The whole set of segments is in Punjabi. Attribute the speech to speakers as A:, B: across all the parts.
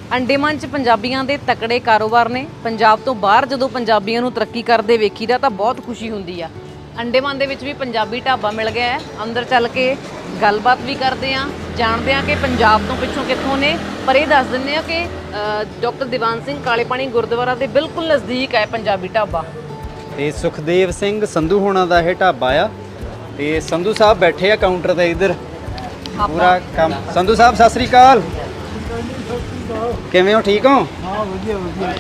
A: ਅੰਡੇਮਾਨ 'ਚ ਪੰਜਾਬੀਆਂ ਦੇ ਤਕੜੇ ਕਾਰੋਬਾਰ ਨੇ। ਪੰਜਾਬ ਤੋਂ ਬਾਹਰ ਜਦੋਂ ਪੰਜਾਬੀਆਂ ਨੂੰ ਤਰੱਕੀ ਕਰਦੇ ਵੇਖੀਦਾ ਤਾਂ ਬਹੁਤ ਖੁਸ਼ੀ ਹੁੰਦੀ ਆ। ਅੰਡੇਮਾਨ ਦੇ ਵਿੱਚ ਵੀ ਪੰਜਾਬੀ ਢਾਬਾ ਮਿਲ ਗਿਆ ਹੈ। ਅੰਦਰ ਚੱਲ ਕੇ ਗੱਲਬਾਤ ਵੀ ਕਰਦੇ ਆ, ਜਾਣਦੇ ਆ ਕਿ ਪੰਜਾਬ ਤੋਂ ਪਿੱਛੋਂ ਕਿੱਥੋਂ ਨੇ। ਪਰ ਇਹ ਦੱਸ ਦਿੰਦੇ ਆ ਕਿ ਡਾਕਟਰ ਦੀਵਾਨ ਸਿੰਘ ਕਾਲੇ ਪਾਣੀ ਗੁਰਦੁਆਰਾ ਦੇ ਬਿਲਕੁਲ ਨਜ਼ਦੀਕ ਹੈ ਪੰਜਾਬੀ ਢਾਬਾ।
B: ਤੇ ਸੁਖਦੇਵ ਸਿੰਘ ਸੰਧੂ ਹੋਣਾ ਦਾ ਇਹ ਢਾਬਾ ਆ। ਤੇ ਸੰਧੂ ਸਾਹਿਬ ਬੈਠੇ ਆ ਕਾਊਂਟਰ ਤੇ ਇੱਧਰ ਪੂਰਾ ਕੰਮ। ਸੰਧੂ ਸਾਹਿਬ ਸਤਿ ਸ੍ਰੀ ਅਕਾਲ, ਕਿਵੇਂ ਹੋ? ਠੀਕ ਹੋ?
C: ਹਾਂ ਵਧੀਆ ਵਧੀਆ।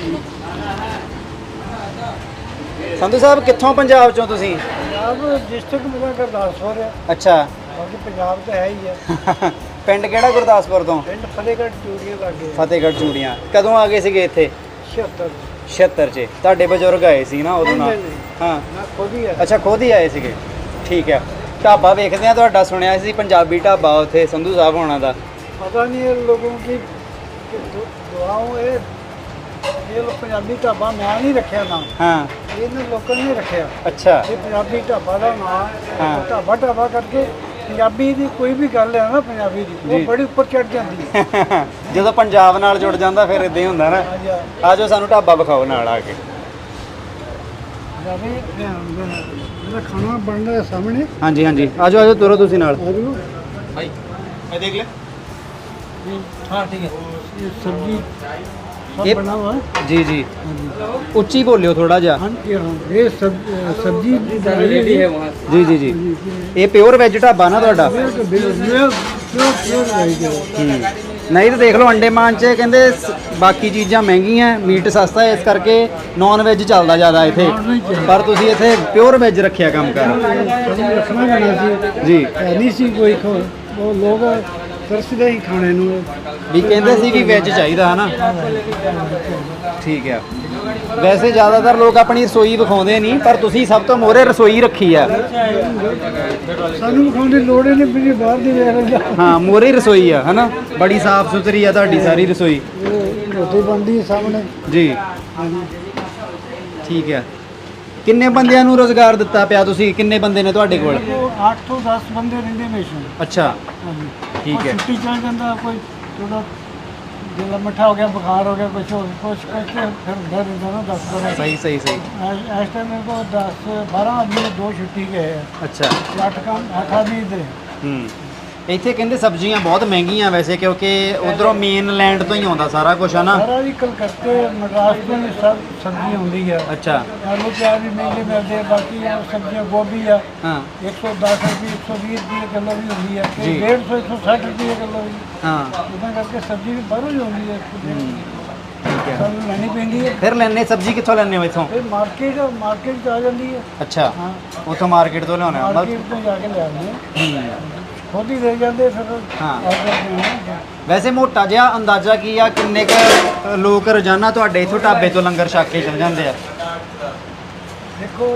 B: ਸੰਧੂ ਸਾਹਿਬ ਕਿੱਥੋਂ ਪੰਜਾਬ ਚੋਂ ਤੁਸੀਂ?
C: ਪੰਜਾਬ ਡਿਸਟ੍ਰਿਕਟ ਮੇਰਾ ਗੁਰਦਾਸਪੁਰ ਹੈ।
B: ਅੱਛਾ,
C: ਬਾਕੀ ਪੰਜਾਬ ਤਾਂ ਹੈ ਹੀ ਹੈ।
B: ਪਿੰਡ ਕਿਹੜਾ ਗੁਰਦਾਸਪੁਰ ਤੋਂ?
C: ਪਿੰਡ ਫਤਿਹਗੜ੍ਹ ਚੂੜੀਆਂ ਲੱਗੇ।
B: ਫਤਿਹਗੜ੍ਹ ਚੂੜੀਆਂ। ਕਦੋਂ ਆ ਗਏ ਸੀਗੇ ਇੱਥੇ?
C: 76
B: 76 ਚ। ਤੁਹਾਡੇ ਬਜ਼ੁਰਗ ਆਏ ਸੀ ਨਾ ਉਦੋਂ ਨਾਲ? ਹਾਂ
C: ਮੈਂ ਖੁਦ ਹੀ ਹੈ।
B: ਅੱਛਾ, ਖੁਦ ਹੀ ਆਏ ਸੀਗੇ। ਠੀਕ ਹੈ। ਢਾਬਾ ਵੇਖਦੇ ਆ ਤੁਹਾਡਾ, ਸੁਣਿਆ ਸੀ ਪੰਜਾਬੀ ਢਾਬਾ ਉੱਥੇ ਸੰਧੂ ਸਾਹਿਬ ਹੋਣਾ ਦਾ।
C: पता नहीं है लोगों की दुआओं ये लोग पंजाबी ढाबा मैं नहीं रखा नाम।
B: हाँ।
C: इन्हें लोगों ने रखा।
B: अच्छा।
C: ये पंजाबी ढाबा का नाम।
B: हाँ।
C: ढाबा ढाबा करके पंजाबी की कोई भी गल है ना पंजाबी की वो बड़ी उपर चढ़ जाती है।
B: ਜਦੋਂ ਪੰਜਾਬ ਨਾਲ ਜੁੜ ਜਾਂਦਾ ਫਿਰ ਇਦਾਂ ਹੀ ਹੁੰਦਾ ਨਾ। ਆ ਜਾਓ ਸਾਨੂੰ ਢਾਬਾ ਵਿਖਾਓ ਨਾਲ ਆ ਕੇ।
C: मेरा खाना बन रहा है सामने।
B: ਹਾਂਜੀ ਹਾਂਜੀ, ਆ ਜਾਓ ਤੁਰੋ ਤੁਸੀਂ ਨਾਲ।
C: भाई
B: मैं देख ले।
C: हाँ ठीक है। ये सब्जी सब
B: ये-
C: बना हुआ है।
B: ਜੀ ਜੀ, ਉੱਚੀ ਬੋਲਿਓ ਥੋੜਾ ਜਿਹਾ।
C: हाँ ये सब्जी रेडी है वहाँ।
B: ਜੀ ਜੀ ਜੀ, ਇਹ ਪਿਓਰ ਵੈਜ ਢਾਬਾ ਨਾ ਤੁਹਾਡਾ? ਨਹੀਂ ਤਾਂ ਦੇਖ ਲਓ ਅੰਡੇਮਾਨ 'ਚ ਕਹਿੰਦੇ ਬਾਕੀ ਚੀਜ਼ਾਂ ਮਹਿੰਗੀਆਂ, ਮੀਟ ਸਸਤਾ ਹੈ, ਇਸ ਕਰਕੇ ਨੌਨ ਵੈਜ ਚੱਲਦਾ ਜ਼ਿਆਦਾ ਇੱਥੇ। ਪਰ ਤੁਸੀਂ ਇੱਥੇ ਪਿਓਰ ਵੈਜ ਰੱਖਿਆ ਕੰਮ ਕਰ।
C: रखना पैना सी
B: ਜੀ,
C: नहीं सी कोई वो लोग तरसदे ही खाने नूं।
B: ਵੀ ਕਹਿੰਦੇ ਸੀ ਵੀ ਵੈਜ ਚਾਹੀਦਾ ਹਨਾ। ਠੀਕ ਹੈ। ਵੈਸੇ ਜ਼ਿਆਦਾਤਰ ਲੋਕ ਆਪਣੀ ਰਸੋਈ ਵਿਖਾਉਂਦੇ ਨਹੀਂ, ਪਰ ਤੁਸੀਂ ਸਭ ਤੋਂ ਮੋਹਰੇ ਰਸੋਈ ਰੱਖੀ ਆ।
C: सानू विखाउण दी लोड़ ही नहीं भी बाहर दी वेख लो।
B: ਹਾਂ, ਮੋਹਰੇ ਰਸੋਈ ਆ ਹਨਾ, ਬੜੀ ਸਾਫ਼ ਸੁਥਰੀ ਆ ਤੁਹਾਡੀ ਸਾਰੀ ਰਸੋਈ।
C: रोटी बनदी है सामने।
B: ਜੀ ਠੀਕ ਹੈ। ਕਿੰਨੇ ਬੰਦਿਆਂ ਨੂੰ ਰੋਜ਼ਗਾਰ ਦਿੱਤਾ ਪਿਆ ਤੁਸੀਂ? ਕਿੰਨੇ ਬੰਦੇ ਨੇ ਤੁਹਾਡੇ ਕੋਲ?
C: 8 ਤੋਂ 10 ਬੰਦੇ ਰਹਿੰਦੇ ਹਮੇਸ਼ਾ।
B: ਅੱਛਾ, ठीक है।
C: छुट्टी चल जाता कोई थोड़ा दिल मिठा हो गया, बुखार हो गया, कुछ हो कुछ करके फिर घर रहता ना 10 12।
B: सही सही सही।
C: इस टाइम मेरे को 10 12 आदमी 2 छुट्टी गए हैं।
B: अच्छा।
C: 8 काम 8 आदमी इधर है।
B: ਇੱਥੇ ਕਹਿੰਦੇ ਸਬਜ਼ੀਆਂ ਬਹੁਤ ਮਹਿੰਗੀਆਂ ਵੈਸੇ, ਕਿਉਂਕਿ ਉਧਰੋਂ ਮੇਨ ਲੈਂਡ ਤੋਂ ਹੀ ਆਉਂਦਾ ਸਾਰਾ ਕੁਝ ਹੈ ਨਾ।
C: सारा भी कलकत्ते मद्रास में भी सब सब्जी होती है।
B: अच्छा।
C: आलू प्याज भी महंगे मिलते हैं, बाकी सब्जियां गोभी है
B: हाँ
C: 110 रुपये 120 रुपये किलो भी होती है,
B: जी।
C: 150 160 रुपये किलो भी।
B: हाँ
C: इतना करके सब्जी भी बाहरों ही होती है।
B: ठीक है।
C: सब लेनी पैंती है।
B: ਫਿਰ ਲੈਣੇ ਸਬਜ਼ੀ ਕਿੱਥੋਂ ਲੈਣੇ ਹੋ ਇੱਥੋਂ?
C: फिर मार्केट आ जाती है।
B: ਅੱਛਾ,
C: हाँ
B: ਉੱਥੋਂ ਮਾਰਕੀਟ ਤੋਂ ਲਿਆਉਣੇ ਆ।
C: मार्केट तो जाके ले आते हैं, खुद ही ले जाते फिर।
B: हाँ।
C: और करते हैं।
B: ਵੈਸੇ ਮੋਟਾ ਜਿਹਾ ਅੰਦਾਜ਼ਾ ਕੀ ਆ, ਕਿੰਨੇ ਕੁ ਲੋਕ ਰੋਜ਼ਾਨਾ ਤੁਹਾਡੇ ਇੱਥੋਂ ਢਾਬੇ ਤੋਂ ਲੰਗਰ ਛਕ ਕੇ ਚਲ ਜਾਂਦੇ ਆ?
C: देखो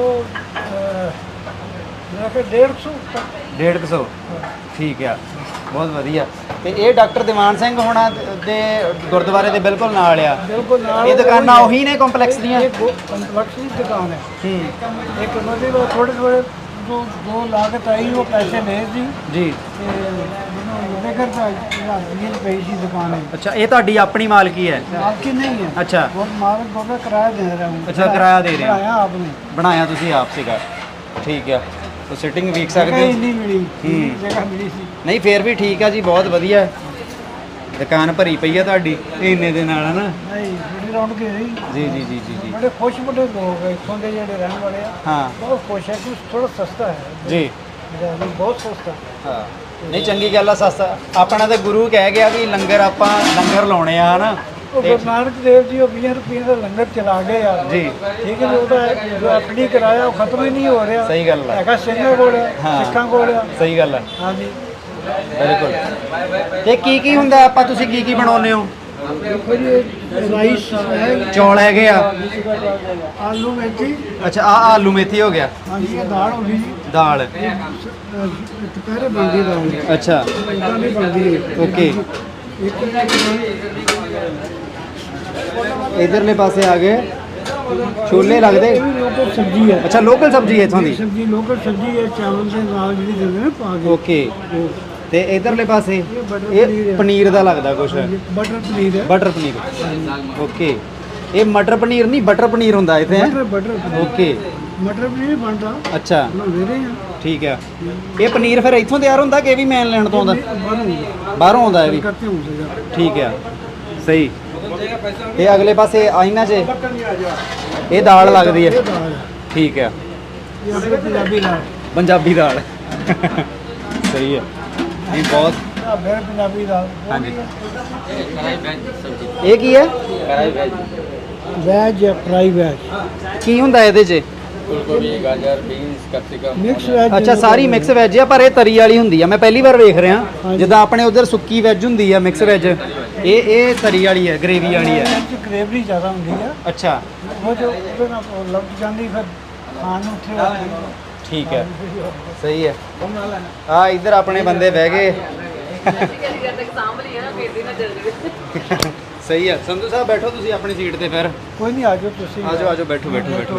C: मेरा के 150 तक।
B: 150। ਠੀਕ ਆ, ਬਹੁਤ ਵਧੀਆ। ਤੇ ਇਹ ਡਾਕਟਰ ਦੀਵਾਨ ਸਿੰਘ ਹੋਣਾ ਦੇ ਗੁਰਦੁਆਰੇ ਦੇ ਬਿਲਕੁਲ ਨਾਲ ਆ।
C: बिल्कुल नाल
B: ਇਹ ਦੁਕਾਨਾਂ ਉਹੀ ਨੇ ਕੰਪਲੈਕਸ ਦੀਆਂ?
C: कम्प्लेक्स की दुकान है। एक मतलब थोड़े थोड़े जो लागत आई वो पैसे ले दी
B: ਜੀ।
C: लेकर पई सी दुकान है।
B: ਅੱਛਾ, ਇਹ ਤੁਹਾਡੀ ਆਪਣੀ ਮਾਲਕੀ ਹੈ?
C: आपकी नहीं है।
B: अच्छा।
C: वो मालिक को मैं किराया दे रहा हूँ।
B: अच्छा, किराया दे रहे हो।
C: किराया आपने
B: ਬਣਾਇਆ ਤੁਸੀਂ ਆਪ ਸੀਗਾ? ਠੀਕ ਆ। ਤੋ ਸਿਟਿੰਗ ਵੇਖ
C: जगह
B: ਸਕਦੇ
C: ही
B: ਹੋ?
C: नहीं मिली, जगह मिली सी।
B: ਨਹੀਂ ਫੇਰ ਵੀ ਠੀਕ ਆ ਜੀ, ਬਹੁਤ ਵਧੀਆ। ਦੁਕਾਨ ਭਰੀ ਪਈ ਆ ਤੁਹਾਡੀ ਇੰਨੇ ਦੇ ਨਾਲ ਹਨਾ।
C: नहीं बड़ी रौनक है जी।
B: ਜੀ ਜੀ ਜੀ ਜੀ ਜੀ।
C: बड़े खुश बड़े लोग हैं इतों के जेडे रहने वाले हैं।
B: ਹਾਂ
C: बहुत खुश है कि थोड़ा सस्ता है।
B: ਜੀ।
C: बहुत सस्ता।
B: ਹਾਂ, ਨਹੀਂ ਚੰਗੀ ਗੱਲ ਆ, ਸਸਤਾ। ਆਪਣਾ ਤਾਂ ਗੁਰੂ ਕਹਿ ਗਿਆ ਵੀ ਲੰਗਰ ਆਪਾਂ ਲੰਗਰ ਲਾਉਣੇ ਆ ਹਨਾ।
C: ਉਹ ਗੁਰੂ ਨਾਨਕ ਦੇਵ ਜੀ ਉਹ 20 ਰੁਪਏ ਦਾ ਲੰਗਰ ਚਲਾ ਗਏ ਆ
B: ਜੀ।
C: ਠੀਕ ਹੈ ਜੀ, ਉਹਦਾ ਜੋ ਐਫਡੀ ਕਰਾਇਆ ਉਹ ਖਤਮ ਹੀ ਨਹੀਂ ਹੋ ਰਿਹਾ।
B: ਸਹੀ ਗੱਲ ਆ।
C: ਹੈਗਾ ਸਿੰਘਾਂ ਕੋਲ ਆ,
B: ਹਾਂ।
C: ਸਿੱਖਾਂ ਕੋਲ ਆ।
B: ਸਹੀ ਗੱਲ ਆ,
C: ਹਾਂਜੀ
B: ਬਿਲਕੁਲ। ਤੇ ਕੀ ਕੀ ਹੁੰਦਾ ਆਪਾਂ, ਤੁਸੀਂ ਕੀ ਕੀ ਬਣਾਉਂਦੇ ਹੋ?
C: ਦੇਖੋ ਜੀ ਰਾਈਸ ਹੈ,
B: ਚੌਲ ਹੈਗੇ ਆ।
C: ਆਲੂ ਮੇਥੀ।
B: ਅੱਛਾ, ਆ ਆਲੂ ਮੇਥੀ ਹੋ ਗਿਆ।
C: ਹਾਂਜੀ ਇਹ ਦਾਲ ਹੋ ਗਈ ਜੀ।
B: ਦਾਲ।
C: ਦੁਪਹਿਰੇ ਬਣਦੀ ਦਾਲ।
B: ਅੱਛਾ,
C: ਇਦਾਂ ਨਹੀਂ ਬਣਦੀ।
B: ਓਕੇ।
C: ਇੱਕ
B: ਇਧਰਲੇ ਪਾਸੇ ਆ ਗਏ ਛੋਲੇ ਲੱਗਦੇ।
C: ਲੋਕਲ ਸਬਜ਼ੀ ਹੈ।
B: ਅੱਛਾ, ਲੋਕਲ ਸਬਜ਼ੀ ਹੈ ਇਥੋਂ ਦੀ?
C: ਸਬਜ਼ੀ ਲੋਕਲ ਸਬਜ਼ੀ ਹੈ, ਚਾਵਲ ਦੇ ਨਾਲ ਜਿਹੜੀ ਦਿੰਦੇ ਨੇ ਪਾ ਕੇ।
B: ਓਕੇ। ਤੇ ਇਧਰਲੇ ਪਾਸੇ
C: ਬਟਰ
B: ਇਹ
C: ਪਨੀਰ ਹੈ।
B: ਪਨੀਰ ਦਾ ਲੱਗਦਾ ਕੁਛ
C: बटर पनीर है
B: ਬਟਰ ਪਨੀਰ ਓਕੇ ਇਹ ਮਟਰ ਪਨੀਰ ਨਹੀਂ ਬਟਰ ਪਨੀਰ ਹੁੰਦਾ ਇੱਥੇ ਹੈ
C: बटर बटर पनीर।
B: ਓਕੇ
C: मटर पनीर बनता
B: ਅੱਛਾ
C: बना दे रहे हैं
B: ਠੀਕ ਆ ਇਹ ਪਨੀਰ ਫਿਰ ਇੱਥੋਂ ਤਿਆਰ ਹੁੰਦਾ ਕਿ ਇਹ ਵੀ ਮੇਨ ਲੈਂਡ ਤੋਂ ਆਉਂਦਾ
C: बाहर
B: ਬਾਹਰੋਂ ਆਉਂਦਾ ਇਹ ਵੀ
C: करते हूँ सर
B: ਠੀਕ ਆ ਸਹੀ ਇਹ ਅਗਲੇ ਪਾਸੇ ਆਇਨਾ 'ਚ ਇਹ ਦਾਲ ਲੱਗਦੀ
C: ये
B: ਹੈ
C: दाल है
B: ਠੀਕ ਆ
C: ये अपने पंजाबी दाल
B: ਪੰਜਾਬੀ ਦਾਲ ਸਹੀ ਹੈ ਇਹ ਬਹੁਤ
C: फिर पंजाबी दाल
B: ਹਾਂਜੀ ਇਹ ਕੀ ਹੈ
C: वेज है फ्राई वेज
B: ਕੀ ਹੁੰਦਾ ਇਹਦੇ 'ਚ
C: मिक्स वेज
B: ਅੱਛਾ ਸਾਰੀ ਮਿਕਸ ਵੈਜ ਆ ਪਰ ਇਹ ਤਰੀ ਵਾਲੀ ਹੁੰਦੀ ਆ ਮੈਂ ਪਹਿਲੀ ਵਾਰ ਵੇਖ ਰਿਹਾ
C: ਹਾਂਜੀ।
B: ਜਿੱਦਾਂ ਆਪਣੇ ਉਧਰ ਸੁੱਕੀ ਵੈਜ ਹੁੰਦੀ ਆ ਮਿਕਸ ਵੈਜ ਇਹ ਤਰੀ ਵਾਲੀ ਹੈ ਗ੍ਰੇਵੀ ਵਾਲੀ ਹੈ
C: ग्रेवी ज़्यादा होती है
B: ਅੱਛਾ
C: वो जो ਉਹਦੇ ਨਾਲ ਲੱਗ ਜਾਂਦੀ ਫਿਰ ਖਾਣ ਨੂੰ ਉੱਥੇ
B: ਠੀਕ ਹੈ ਸਹੀ ਹੈ ਆ ਇੱਧਰ ਆਪਣੇ ਬੰਦੇ ਬਹਿ ਗਏ ਸਹੀ ਹੈ ਸੰਧੂ ਸਾਹਿਬ ਬੈਠੋ ਤੁਸੀਂ ਆਪਣੀ ਸੀਟ ਤੇ ਫਿਰ
C: ਕੋਈ ਨਹੀਂ ਆ ਜਾਓ ਤੁਸੀਂ
B: ਆਜੋ ਆਜੋ ਬੈਠੋ ਬੈਠੋ ਬੈਠੋ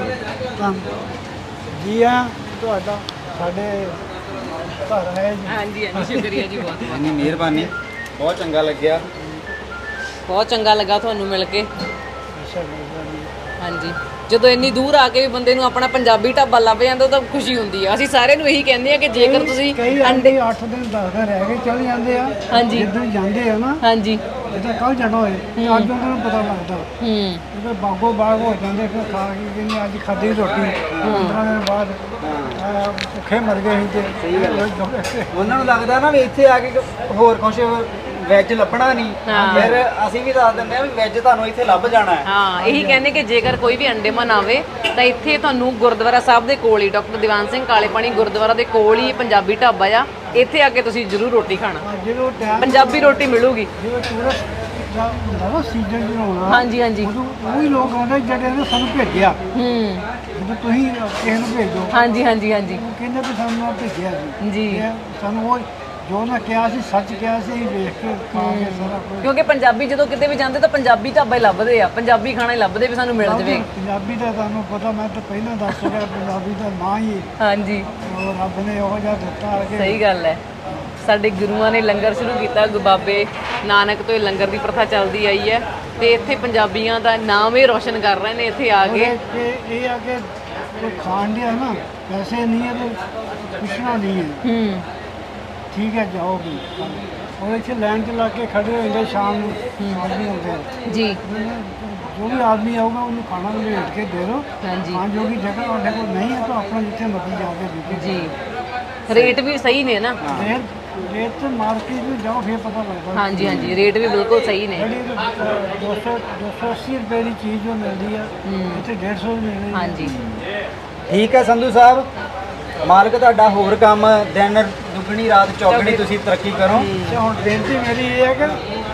C: ਜੀ ਆ ਤੁਹਾਡਾ ਸਾਡੇ ਘਰ ਹੈ ਜੀ
A: ਹਾਂਜੀ ਹਾਂਜੀ ਸ਼ੁਕਰੀਆ ਜੀ ਬਹੁਤ
B: ਇੰਨੀ ਮਿਹਰਬਾਨੀ ਬਹੁਤ ਚੰਗਾ ਲੱਗਿਆ
A: ਬਹੁਤ ਚੰਗਾ ਲੱਗਾ ਤੁਹਾਨੂੰ ਮਿਲ ਕੇ
C: ਅੱਛਾ ਮਿਹਰਬਾਨੀ
A: ਹਾਂਜੀ ਜਦੋਂ ਇੰਨੀ ਦੂਰ ਆ ਕੇ ਵੀ ਬੰਦੇ ਨੂੰ ਆਪਣਾ ਪੰਜਾਬੀ ਢਾਬਾ ਲੱਭ ਜਾਂਦਾ ਤਾਂ ਖੁਸ਼ੀ ਹੁੰਦੀ ਆ ਅਸੀਂ ਸਾਰਿਆਂ ਨੂੰ ਇਹੀ ਕਹਿੰਦੇ ਆ ਕਿ ਜੇਕਰ ਤੁਸੀਂ
C: ਕਈ ਅੰਡੇ 8 ਦਿਨ 10 ਦਿਨ ਰਹਿ ਕੇ ਚਲੇ ਜਾਂਦੇ ਆ
A: ਹਾਂਜੀ
C: ਜਿੱਦਾਂ ਜਾਂਦੇ ਆ ਨਾ
A: ਹਾਂਜੀ
C: ਜਿੱਦਾਂ ਕੱਲ ਜਾਣਾ ਹੋਏ ਤੇ ਅੱਜ ਉਹਨਾਂ ਨੂੰ ਪਤਾ ਲੱਗਦਾ
A: ਹੂੰ
C: ਜਦੋਂ ਬਾਗੋ ਬਾਗ ਹੋ ਜਾਂਦੇ ਫਿਰ ਖਾ ਕੇ ਕਹਿੰਦੇ ਅੱਜ ਖਾਧੀ ਰੋਟੀ 15 ਦਿਨ ਬਾਅਦ ਭੁੱਖੇ ਮਰ ਗਏ ਸੀ ਤੇ ਸਹੀ ਗੱਲ
B: ਉਹਨਾਂ ਨੂੰ ਲੱਗਦਾ ਨਾ ਵੀ ਇੱਥੇ ਆ ਕੇ ਹੋਰ ਕੁਝ ਵੈਜ ਲੱਭਣਾ ਨਹੀਂ
A: ਹਾਂ।
B: ਫਿਰ ਅਸੀਂ ਵੀ ਦੱਸ ਦਿੰਦੇ ਆ ਵੀ ਵੈਜ ਤੁਹਾਨੂੰ ਇੱਥੇ ਲੱਭ ਜਾਣਾ ਹੈ
A: ਹਾਂ ਇਹੀ ਕਹਿੰਦੇ ਕਿ ਜੇਕਰ ਕੋਈ ਵੀ ਅੰਡੇਮਾਨ ਆਵੇ ਤਾਂ ਇੱਥੇ ਤੁਹਾਨੂੰ ਗੁਰਦੁਆਰਾ ਸਾਹਿਬ ਦੇ ਕੋਲ ਹੀ ਡਾਕਟਰ ਦੀਵਾਨ ਸਿੰਘ ਕਾਲੇ ਪਾਣੀ ਗੁਰਦੁਆਰਾ ਦੇ ਕੋਲ ਹੀ ਪੰਜਾਬੀ ਢਾਬਾ ਆ ਇੱਥੇ ਆ ਕੇ ਤੁਸੀਂ ਜ਼ਰੂਰ ਰੋਟੀ ਖਾਣਾ
C: ਜਦੋਂ ਟਾਈਮ
A: ਪੰਜਾਬੀ ਰੋਟੀ ਮਿਲੂਗੀ
C: ਜਦੋਂ ਟੂਰਿਸਟ ਦਾ ਹੁੰਦਾ ਨਾ ਸੀਜ਼ਨ ਜਿਹੜਾ ਹੋਣਾ
A: ਹਾਂਜੀ ਹਾਂਜੀ
C: ਉਦੋਂ ਉਹੀ ਲੋਕ ਆਉਂਦੇ ਜਿਹੜੇ ਨੇ ਸਾਨੂੰ ਭੇਜਿਆ
A: ਹੂੰ
C: ਜਦੋਂ ਤੁਸੀਂ ਕਿਸੇ ਨੂੰ ਭੇਜੋ
A: ਹਾਂਜੀ ਹਾਂਜੀ ਹਾਂਜੀ
C: ਉਹ ਕਹਿੰਦੇ ਵੀ ਸਾਨੂੰ ਆ ਭੇਜਿਆ ਜੀ
A: ਜੀ
C: ਇਹ ਸਾਨੂੰ ਉਹ ਜੋ ਨਾ ਕਿਹਾ ਸੀ ਸੱਚ ਕਿਹਾ ਸੀ ਅਸੀਂ ਵੇਖ ਕੇ ਖਾ ਕੇ ਸਾਰਾ ਕੁਝ
A: ਕਿਉਂਕਿ ਪੰਜਾਬੀ ਜਦੋਂ ਕਿਤੇ ਵੀ ਜਾਂਦੇ ਤਾਂ ਪੰਜਾਬੀ ਢਾਬਾ ਹੀ ਲੱਭਦੇ ਆ ਪੰਜਾਬੀ ਖਾਣਾ ਹੀ ਲੱਭਦੇ ਵੀ ਸਾਨੂੰ ਮਿਲ ਜਵੇ
C: ਪੰਜਾਬੀ ਦਾ ਤੁਹਾਨੂੰ ਪਤਾ ਮੈਂ ਤਾਂ ਪਹਿਲਾਂ ਦੱਸ ਚੁੱਕਿਆ ਪੰਜਾਬੀ ਦਾ ਨਾਂ ਹੀ
A: ਹਾਂਜੀ
C: ਉਹ ਰੱਬ ਨੇ ਉਹ ਜਿਹਾ ਦਿੱਤਾ ਹੈ ਕਿ
A: ਸਹੀ ਗੱਲ ਹੈ ਸਾਡੇ ਗੁਰੂਆਂ ਨੇ ਲੰਗਰ ਸ਼ੁਰੂ ਕੀਤਾ ਬਾਬੇ ਨਾਨਕ ਤੋਂ ਇਹ ਲੰਗਰ ਦੀ ਪ੍ਰਥਾ ਚੱਲਦੀ ਆਈ ਹੈ ਤੇ ਇੱਥੇ ਪੰਜਾਬੀਆਂ ਦਾ ਨਾਮ ਹੀ ਰੋਸ਼ਨ ਕਰ ਰਹੇ ਨੇ ਇੱਥੇ ਆ ਕੇ
C: ਇਹ ਆ ਕੇ ਕੋਈ ਖਾਣ ਡਿਆ ਨਾ ਪੈਸੇ ਨਹੀਂ ਹੈ ਤੇ ਪੁੱਛਣਾ ਨਹੀਂ ਹੈ
A: ਹੂੰ
C: ਠੀਕ ਹੈ ਜਾਓ ਵੀ ਉਹ ਇੱਥੇ ਲਾਈਨ 'ਚ ਲਾ ਕੇ ਖੜੇ ਹੋ ਜਾਂਦੇ ਸ਼ਾਮ ਨੂੰ ਆਦਮੀ ਹੁੰਦੇ ਆ
A: ਜੀ
C: ਜੋ ਵੀ ਆਦਮੀ ਆਊਗਾ ਉਹਨੂੰ ਖਾਣਾ ਭੇਜ ਕੇ ਦੇ ਦਿਓ
A: ਹਾਂਜੀ
C: ਖਾਣ ਜੋਗੀ ਜਗ੍ਹਾ ਤੁਹਾਡੇ ਕੋਲ ਨਹੀਂ ਹੈ ਤਾਂ ਆਪਣਾ ਜਿੱਥੇ ਮਰਜ਼ੀ ਜਾ ਕੇ ਦੇਖੋ
A: ਜੀ ਰੇਟ ਵੀ ਸਹੀ ਨੇ ਨਾ
C: ਰੇਟ ਤੇ ਮਾਰਕੀਟ ਵਿੱਚ ਜਾਓ ਫਿਰ ਪਤਾ ਲੱਗਦਾ
A: ਹਾਂਜੀ ਹਾਂਜੀ ਰੇਟ ਵੀ ਬਿਲਕੁਲ ਸਹੀ ਨੇ
C: ਜਿਹੜੀ 280 ਰੁਪਏ ਦੀ ਚੀਜ਼ ਜੋ ਮਿਲਦੀ ਆ ਇੱਥੇ 150 ਦੀ ਮਿਲਦੀ
A: ਹਾਂਜੀ
B: ਠੀਕ ਹੈ ਸੰਧੂ ਸਾਹਿਬ ਮਾਲਕ ਤੁਹਾਡਾ ਹੋਰ ਕੰਮ ਦਿਨ ਦੁੱਗਣੀ ਰਾਤ ਚੌਗਣੀ ਤੁਸੀਂ ਤਰੱਕੀ ਕਰੋ
C: ਤੇ ਹੁਣ ਬੇਨਤੀ ਮੇਰੀ ਇਹ ਹੈ ਕਿ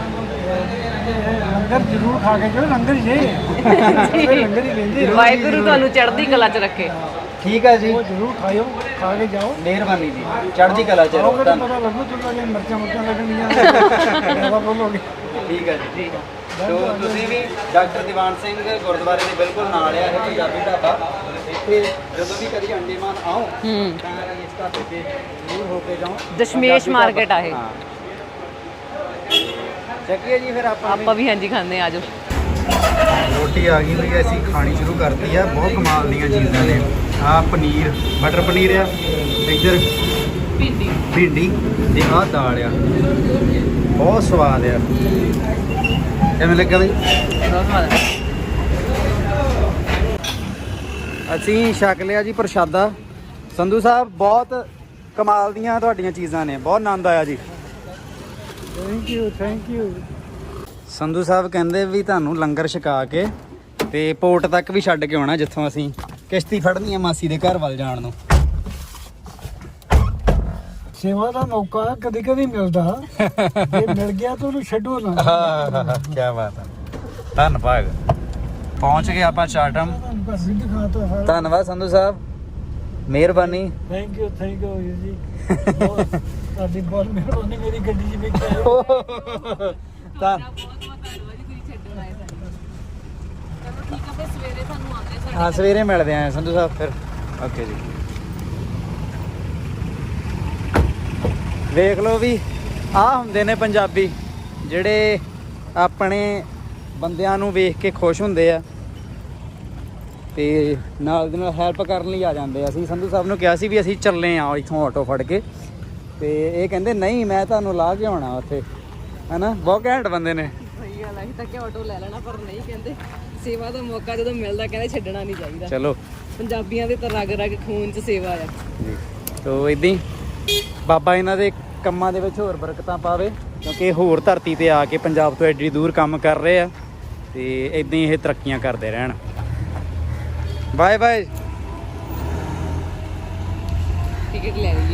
C: ਲੰਗਰ ਜ਼ਰੂਰ ਖਾ ਕੇ ਜਾਓ ਲੰਗਰ ਜੇ ਲੰਗਰ ਹੀ ਲੈਂਦੇ ਰਹੋ।
A: ਵਾਹਿਗੁਰੂ ਤੁਹਾਨੂੰ ਚੜ੍ਹਦੀ ਕਲਾ 'ਚ ਰੱਖੇ
B: ਠੀਕ ਹੈ ਜੀ
C: ਉਹ ਜ਼ਰੂਰ ਖਾਇਓ ਖਾ ਕੇ ਜਾਓ
B: ਮਿਹਰਬਾਨੀ ਜੀ ਚੜ੍ਹਦੀ ਕਲਾ ਚ ਰਹੋ
C: ਆਓਗੇ ਤਾਂ
B: ਧੰਨ-
C: ਪਤਾ ਲੱਗੂ ਤੁਹਾਨੂੰ ਮਿਰਚਾਂ ਲੱਗਣਗੀਆਂ ਜ਼ਿਆਦਾ ਬੋਲੋਗੇ
B: ਠੀਕ ਹੈ ਜੀ ਸੋ ਤੁਸੀਂ ਵੀ ਡਾਕਟਰ ਦੀਵਾਨ ਸਿੰਘ ਗੁਰਦੁਆਰੇ ਦੇ ਬਿਲਕੁਲ ਨਾਲ ਆ ਇਹ ਪੰਜਾਬੀ ਢਾਬਾ ਇੱਥੇ ਜਦੋਂ ਵੀ ਕਦੀ ਅੰਡੇਮਾਨ ਆਓ
A: ਹੂੰ
B: ਤਾਂ ਇਸ ਢਾਬੇ ਤੇ ਜ਼ਰੂਰ ਹੋ ਕੇ ਜਾਓ
A: ਦਸ਼ਮੇਸ਼
B: ਪੰਜਾਬੀ
A: ਮਾਰਕੀਟ
B: ਢਾਬਾ।
A: ਆ ਇਹ।
B: ਹਾਂ। ਚੱਕੀਏ ਜੀ ਫਿਰ ਆਪਾਂ
A: ਆਪਾਂ ਵੀ ਹਾਂਜੀ ਖਾਂਦੇ ਆ ਆਜੋ
B: ਰੋਟੀ ਆ ਗਈ ਵੀ ਅਸੀਂ ਖਾਣੀ ਸ਼ੁਰੂ ਕਰਤੀ ਆ ਬਹੁਤ ਕਮਾਲ ਦੀਆਂ ਚੀਜ਼ਾਂ ਨੇ ਆ ਪਨੀਰ ਮਟਰ ਪਨੀਰ ਆ ਇੱਧਰ
A: ਭਿੰਡੀ
B: ਭਿੰਡੀ ਤੇ ਆਹ ਦਾਲ ਆ ਬਹੁਤ ਸਵਾਦ ਆ ਕਿਵੇਂ ਲੱਗਾ ਬਈ
A: ਬਹੁਤ ਸਵਾਦ ਹੈ
B: ਅਸੀਂ ਛਕ ਲਿਆ ਜੀ ਪ੍ਰਸ਼ਾਦਾ ਸੰਧੂ ਸਾਹਿਬ ਬਹੁਤ ਕਮਾਲ ਦੀਆਂ ਤੁਹਾਡੀਆਂ ਚੀਜ਼ਾਂ ਨੇ ਬਹੁਤ ਆਨੰਦ ਆਇਆ ਜੀ
C: ਥੈਂਕ ਯੂ
B: ਸੰਧੂ ਸਾਹਿਬ ਕਹਿੰਦੇ ਵੀ ਤੁਹਾਨੂੰ ਲੰਗਰ ਛਕਾ ਕੇ ਤੇ ਪੋਰਟ ਤੱਕ ਵੀ ਛੱਡ ਕੇ ਆਉਣਾ ਜਿੱਥੋਂ ਅਸੀਂ ਕਿਸ਼ਤੀ ਫੜਨੀ ਆ ਮਾਸੀ ਦੇ ਘਰ ਵੱਲ ਜਾਣ ਨੂੰ
C: ਸੇਵਾ ਦਾ ਮੌਕਾ ਕਦੀ ਕਦੀ ਮਿਲਦਾ ਜੇ ਮਿਲ ਗਿਆ ਤਾਂ ਉਹਨੂੰ ਛੱਡੋ ਨਾ
B: ਕੀ ਬਾਤ ਹੈ ਧੰਨਵਾਦ ਪਹੁੰਚ ਗਏ ਆਪਾਂ ਚਾਟਮ
C: ਬਸ ਵੀ ਦਿਖਾਤਾ ਹੈ
B: ਧੰਨਵਾਦ ਸੰਧੂ ਸਾਹਿਬ ਮਿਹਰਬਾਨੀ
C: ਥੈਂਕ ਯੂ ਜੀ ਤੁਹਾਡੀ ਬਹੁਤ ਮਿਹਰਬਾਨੀ ਮੇਰੀ ਗੱਡੀ 'ਚ ਵੇਖਿਆ
B: ਤਾਂ ਹਾਂ ਸਵੇਰੇ ਮਿਲਦੇ ਆਂ ਸੰਧੂ ਸਾਹਿਬ ਫਿਰ ਓਕੇ ਜੀ ਵੇਖ ਲਓ ਵੀ ਆਹ ਹੁੰਦੇ ਨੇ ਪੰਜਾਬੀ ਜਿਹੜੇ ਆਪਣੇ ਬੰਦਿਆਂ ਨੂੰ ਵੇਖ ਕੇ ਖੁਸ਼ ਹੁੰਦੇ ਆ ਤੇ ਨਾਲ ਦੇ ਨਾਲ ਹੈਲਪ ਕਰਨ ਲਈ ਆ ਜਾਂਦੇ ਆ। ਅਸੀਂ ਸੰਧੂ ਸਾਹਿਬ ਨੂੰ ਕਿਹਾ ਸੀ ਵੀ ਅਸੀਂ ਚੱਲੇ ਆ ਇੱਥੋਂ ਆਟੋ ਫੜ ਕੇ, ਤੇ ਇਹ ਕਹਿੰਦੇ ਨਹੀਂ ਮੈਂ ਤੁਹਾਨੂੰ ਲਾ ਕੇ ਆਉਣਾ ਉੱਥੇ, ਹਨਾ। ਬਹੁਤ ਘੈਂਟ ਬੰਦੇ ਨੇ।
A: ਸਹੀ ਗੱਲ ਹੈ, ਅਸੀਂ ਤਾਂ ਕਿ ਆਟੋ ਲੈ ਲੈਣਾ, ਪਰ ਨਹੀਂ, ਕਹਿੰਦੇ ਸੇਵਾ ਦਾ ਮੌਕਾ ਜਦੋਂ ਮਿਲਦਾ ਕਹਿੰਦੇ ਛੱਡਣਾ ਨਹੀਂ ਚਾਹੀਦਾ।
B: ਚਲੋ
A: ਪੰਜਾਬੀਆਂ ਦੇ ਤਾਂ ਰਗ ਰਗ ਖੂਨ 'ਚ ਸੇਵਾ ਆ
B: ਜੀ। ਤੋ ਇਦਾਂ ਹੀ ਬਾਬਾ ਇਹਨਾਂ ਦੇ ਕੰਮਾਂ ਦੇ ਵਿੱਚ ਹੋਰ ਬਰਕਤਾਂ ਪਾਵੇ, ਕਿਉਂਕਿ ਹੋਰ ਧਰਤੀ ਤੇ ਆ ਕੇ ਪੰਜਾਬ ਤੋਂ ਐਡੀ ਦੂਰ ਕੰਮ ਕਰ ਰਹੇ ਆ, ਤੇ ਇਦਾਂ ਹੀ ਇਹ ਤਰੱਕੀਆਂ ਕਰਦੇ ਰਹਿਣ। Bye bye.
A: ਟਿਕਟ ਲੈ ਲਈਏ।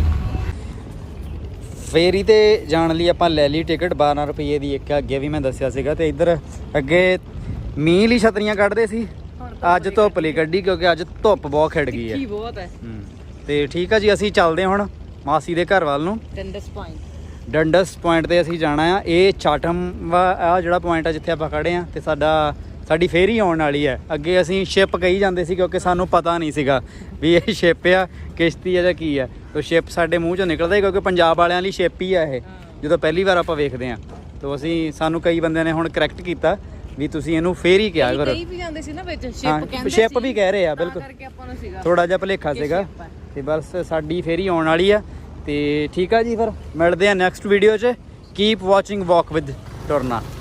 B: ਫੇਰੀ ਤੇ ਜਾਣ ਲਈ ਆਪਾਂ ਲੈ ਲਈ ਟਿਕਟ, 12 ਰੁਪਏ ਦੀ ਇੱਕ, ਅੱਗੇ ਵੀ ਮੈਂ ਦੱਸਿਆ ਸੀਗਾ। ਤੇ ਇੱਧਰ ਅੱਗੇ ਮੀਂਹ ਲਈ ਛਤਰੀਆਂ ਕੱਢਦੇ ਸੀ, ਅੱਜ ਧੁੱਪ ਲਈ ਕੱਢੀ ਕਿਉਂਕਿ ਅੱਜ ਧੁੱਪ ਬਹੁਤ ਖਿੜ ਗਈ ਹੈ।
A: ਬਹੁਤ ਹੈ।
B: ਤੇ ਠੀਕ ਆ ਜੀ, ਅਸੀਂ ਚੱਲਦੇ ਹਾਂ ਹੁਣ ਮਾਸੀ ਦੇ ਘਰ ਵੱਲ ਨੂੰ। ਡੰਡਸ ਪੁਆਇੰਟ ਤੇ ਅਸੀਂ ਜਾਣਾ ਆ। ਇਹ ਚਾਟਮ ਆ ਜਿਹੜਾ ਪੁਆਇੰਟ ਆ ਜਿੱਥੇ ਆਪਾਂ ਖੜੇ ਆ, ਤੇ ਸਾਡੀ ਫੇਰੀ ਆਉਣ ਵਾਲੀ ਹੈ। ਅੱਗੇ ਅਸੀਂ ਸ਼ਿਪ ਕਹੀ ਜਾਂਦੇ ਸੀ ਕਿਉਂਕਿ ਸਾਨੂੰ ਪਤਾ ਨਹੀਂ ਸੀਗਾ ਵੀ ਇਹ ਸ਼ਿਪ ਆ, ਕਿਸ਼ਤੀ ਆ ਜਾਂ ਕੀ ਆ। ਤੋ ਸ਼ਿਪ ਸਾਡੇ ਮੂੰਹ ਚੋਂ ਨਿਕਲਦਾ ਹੀ, ਕਿਉਂਕਿ ਪੰਜਾਬ ਵਾਲਿਆਂ ਲਈ ਸ਼ਿਪ ਹੀ ਆ ਇਹ, ਜਦੋਂ ਪਹਿਲੀ ਵਾਰ ਆਪਾਂ ਵੇਖਦੇ ਆ। ਤੋ ਸਾਨੂੰ ਕਈ ਬੰਦਿਆਂ ਨੇ ਹੁਣ ਕਰੈਕਟ ਕੀਤਾ ਵੀ ਤੁਸੀਂ ਇਹਨੂੰ ਫੇਰੀ ਕਿਹਾ ਕਰੋ।
A: ਕਈ ਵੀ ਜਾਂਦੇ ਸੀ ਨਾ ਵਿੱਚ ਸ਼ਿਪ ਕਹਿੰਦੇ ਸੀ,
B: ਸ਼ਿਪ ਵੀ ਕਹਿ ਰਹੇ ਆ, ਬਿਲਕੁਲ
A: ਕਰਕੇ ਆਪਾਂ ਨੂੰ ਸੀਗਾ
B: ਥੋੜਾ ਜਿਹਾ ਭੁਲੇਖਾ ਸੀਗਾ। ਤੇ ਬਸ ਸਾਡੀ ਫੇਰੀ ਆਉਣ ਵਾਲੀ ਆ। ਤੇ ਠੀਕ ਆ ਜੀ, ਫਿਰ ਮਿਲਦੇ ਆ ਨੈਕਸਟ ਵੀਡੀਓ 'ਚ। Keep watching walk with ਟੁਰਨਾ।